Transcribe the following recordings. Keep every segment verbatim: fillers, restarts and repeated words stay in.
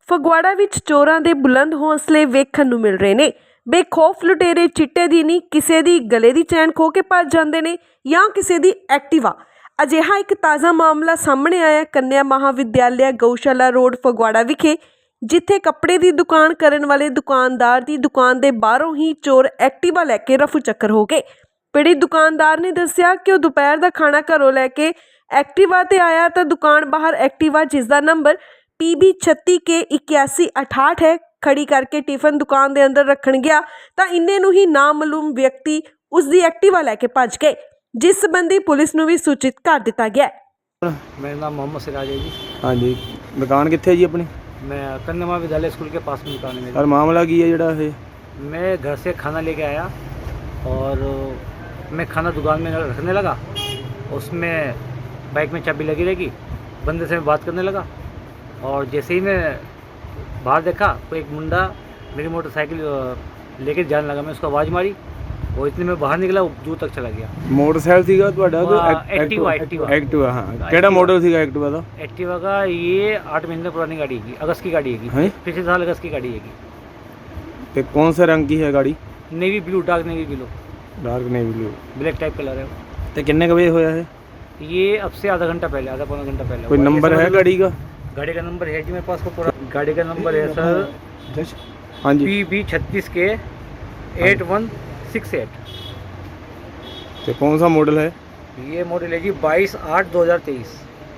ਫਗਵਾੜਾ ਵਿੱਚ ਚੋਰਾਂ ਦੇ ਬੁਲੰਦ ਹੌਸਲੇ ਵੇਖਣ ਨੂੰ ਮਿਲ ਰਹੇ ਨੇ। ਬੇਖੌਫ ਲੁਟੇਰੇ ਚਿੱਟੇ ਦੀ ਨਹੀਂ ਕਿਸੇ ਦੀ ਗਲੇ ਦੀ ਚੈਨ ਖੋ ਕੇ ਭੱਜ ਜਾਂਦੇ ਨੇ ਜਾਂ ਕਿਸੇ ਦੀ ਐਕਟਿਵਾ। ਅਜਿਹਾ ਇੱਕ ਤਾਜ਼ਾ ਮਾਮਲਾ ਸਾਹਮਣੇ ਆਇਆ ਕੰਨਿਆ ਮਹਾਵਿਦਿਆਲਿਆ ਗਊਸ਼ਾਲਾ ਰੋਡ ਫਗਵਾੜਾ ਵਿਖੇ, ਜਿੱਥੇ ਕੱਪੜੇ ਦੀ ਦੁਕਾਨ ਕਰਨ ਵਾਲੇ ਦੁਕਾਨਦਾਰ ਦੀ ਦੁਕਾਨ ਦੇ ਬਾਹਰੋਂ ਹੀ ਚੋਰ ਐਕਟਿਵਾ ਲੈ ਕੇ ਰਫੂ ਚੱਕਰ ਹੋ ਗਏ। ਪੀੜਿਤ ਦੁਕਾਨਦਾਰ ਨੇ ਦੱਸਿਆ ਕਿ ਉਹ ਦੁਪਹਿਰ ਦਾ ਖਾਣਾ ਘਰੋਂ ਲੈ ਕੇ ਐਕਟਿਵਾ ਤੇ ਆਇਆ ਤਾਂ ਦੁਕਾਨ ਬਾਹਰ ਐਕਟਿਵਾ, ਜਿਸ ਦਾ ਨੰਬਰ ਪੀ ਬੀ ਛੱਤੀ ਕੇ ਇक्यासी अठाहठ है, खड़ी करके टिफिन दुकान के अंदर रखन गया तो इन्ने नूं ही नामालूम व्यक्ति उसकी एक्टिवा लैके भज गए, जिस संबंधी पुलिस नूं भी सूचित कर दिता गया। मेरा नाम मोहम्मद सिराज है जी। हाँ जी, दुकान कित्थे जी अपनी? मैं कन्या महाविद्यालय स्कूल के पास में दुकान है मेरी। और मामला की है जड़ा है? मैं घर से खाना लेके आया और मैं खाना दुकान में रखने लगा, उसमें बाइक में चाबी लगी रहेगी, बंदे से मैं बात करने लगा और जैसे ही मैं बाहर देखा तो एक मुंडा मेरी मोटरसाइकिल लेके जाने लगा। मैं उसको आवाज़ मारी और इतने में बाहर निकला, वो दूर तक चला गया। मोटरसाइकिल सीगा ਤੁਹਾਡਾ वो एक्टिवा एक्टिवा एक्टिवा हाँ केड़ा मॉडल सीगा एक्टिवा ਦਾ? एक्टिवा का ये आठ महीने पुरानी गाड़ी है, अगस्त की गाड़ी है, पिछले साल अगस्त की गाड़ी है। ਤੇ कौन से रंग की है गाड़ी? Navy blue, dark navy blue, dark navy blue, black type colour है। ਤੇ ਕਿੰਨੇ ਕ ਵਜੇ ਹੋਇਆ है ये अब से आधा घंटा पहले, आधा पौना घंटा पहले। कोई नंबर है गाड़ी का? गाड़ी का नंबर है जी मेरे पास को पूरा। गाड़ी का नंबर है सर हाँ जी पी बी छत्तीस के एट वन सिक्स एट। तो कौन सा मॉडल है? ये मॉडल है जी बाईस आठ दो हज़ार तेईस।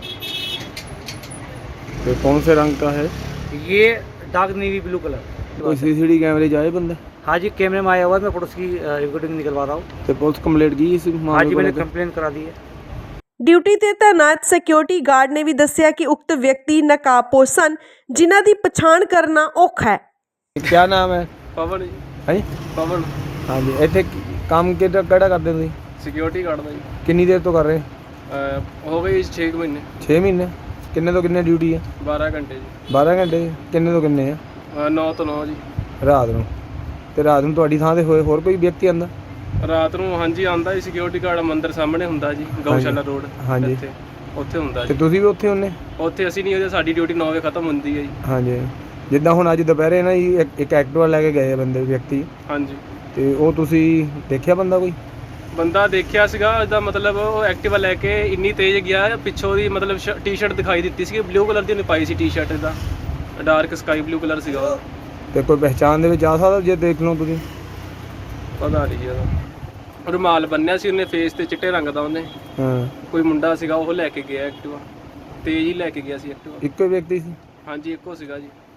तो कौन से रंग का है? ये डार्क नेवी ब्लू कलर। कोई सी सी टी कैमरे जाए बंदा? हाँ जी, कैमरे में आया हुआ है, मैं फोटोस की रिकॉर्डिंग निकलवा रहा हूँ। तो पुलिस कंप्लेंट की इस मामले? हाँ जी, मैंने कंप्लेंट करा दी है। ਡਿਊਟੀ ਤੇ ਤਾਇਨਾਤ ਸਿਕਿਉਰਿਟੀ ਗਾਰਡ ਨੇ ਵੀ ਦੱਸਿਆ ਕਿ ਉਕਤ ਵਿਅਕਤੀ ਨਕਾਬਪੋਸ਼ ਸਨ, ਜਿਨ੍ਹਾਂ ਦੀ ਪਛਾਣ ਕਰਨਾ ਔਖਾ ਹੈ। क्या नाम है? ਪਵਨ ਜੀ। हाँ जी ਪਵਨ हाँ जी ਇੱਥੇ ਕੰਮ ਕਿਹੜਾ ਕਿਹੜਾ ਕਰਦੇ ਤੁਸੀਂ? ਸਿਕਿਉਰਿਟੀ ਗਾਰਡ ਦਾ ਜੀ। ਕਿੰਨੀ ਦੇਰ ਤੋਂ ਕਰ ਰਹੇ? ਅਹ ਹੋ ਗਏ ਛੇ ਕੁ ਮਹੀਨੇ। ਛੇ ਮਹੀਨੇ। ਕਿੰਨੇ ਤੋਂ ਕਿੰਨੇ ਡਿਊਟੀ ਹੈ? ਬਾਰਾਂ ਘੰਟੇ ਜੀ। ਬਾਰਾਂ ਘੰਟੇ। ਕਿੰਨੇ ਤੋਂ ਕਿੰਨੇ ਆ? ਅਹ ਨੌ ਤੋਂ ਨੌ ਜੀ। ਰਾਤ ਨੂੰ। ਤੇ ਰਾਤ ਨੂੰ ਤੁਹਾਡੀ ਥਾਂ ਤੇ ਹੋਏ ਹੋਰ ਕੋਈ ਵਿਅਕਤੀ ਆਂਦਾ? ਰਾਤ ਨੂੰ ਹਾਂਜੀ ਆਂਦਾ ਜੀ, ਸਿਕਿਉਰਿਟੀ ਗਾਰਡ ਮੰਦਰ ਸਾਹਮਣੇ ਹੁੰਦਾ ਜੀ, ਗਊਸ਼ਾਲਾ ਰੋਡ। ਹਾਂਜੀ। ਇੱਥੇ ਉੱਥੇ ਹੁੰਦਾ ਤੇ ਜੀ। ਤੁਸੀਂ ਵੀ ਉੱਥੇ ਹੁੰਨੇ? ਉੱਥੇ ਅਸੀਂ ਨਹੀਂ, ਉਹਦੇ ਸਾਡੀ ਡਿਊਟੀ ਨੌ ਵਜੇ ਖਤਮ ਹੁੰਦੀ ਹੈ ਜੀ। ਹਾਂਜੀ। ਜਿੱਦਾਂ ਹੁਣ ਅੱਜ ਦੁਪਹਿਰੇ ਨਾ ਜੀ ਇੱਕ- ਇੱਕ ਐਕਟਿਵਾ ਲੈ ਕੇ ਗਏ ਆ ਬੰਦੇ ਵਿਅਕਤੀ, ਹਾਂਜੀ। ਤੇ ਉਹ ਤੁਸੀਂ ਦੇਖਿਆ ਬੰਦਾ ਕੋਈ? ਬੰਦਾ ਦੇਖਿਆ ਸੀਗਾ, ਉਹਦਾ ਮਤਲਬ ਉਹ ਐਕਟਿਵਾ ਲੈ ਕੇ ਇੰਨੀ ਤੇਜ਼ ਗਿਆ, ਪਿੱਛੋਂ ਦੀ ਮਤਲਬ ਟੀ-ਸ਼ਰਟ ਦਿਖਾਈ ਦਿੱਤੀ ਸੀ, ਬਲੂ ਕਲਰ ਦੀ ਉਹਨੇ ਪਾਈ ਸੀ ਟੀ-ਸ਼ਰਟ, ਦਾ ਡਾਰਕ ਸਕਾਈ ਬਲੂ ਕਲਰ ਸੀਗਾ ਉਹ। ਤੇ ਕੋਈ ਪਹਿਚਾਣ ਦੇ ਵਿੱਚ ਆ ਸਕਦਾ ਜੇ ਦੇਖ ਲਓ ਤੁਸੀਂ? ਪਤਾ ਨਹੀਂ ਜੀ ਉਹਦਾ। ਰੁਮਾਲ ਬੰਨਿਆ ਸੀ ਉਹਨੇ ਫੇਸ ਤੇ, ਚਿੱਟੇ ਰੰਗ ਦਾ ਉਹਨੇ। ਹਾਂ। ਕੋਈ ਮੁੰਡਾ ਸੀਗਾ, ਉਹ ਲੈ ਕੇ ਗਿਆ ਐਕਟਿਵਾ, ਤੇਜ਼ ਹੀ ਲੈ ਕੇ ਗਿਆ ਸੀ ਐਕਟਿਵਾ। ਇੱਕੋ ਹੀ ਵਿਅਕਤੀ ਸੀ? ਹਾਂਜੀ, ਇੱਕੋ ਸੀਗਾ ਜੀ।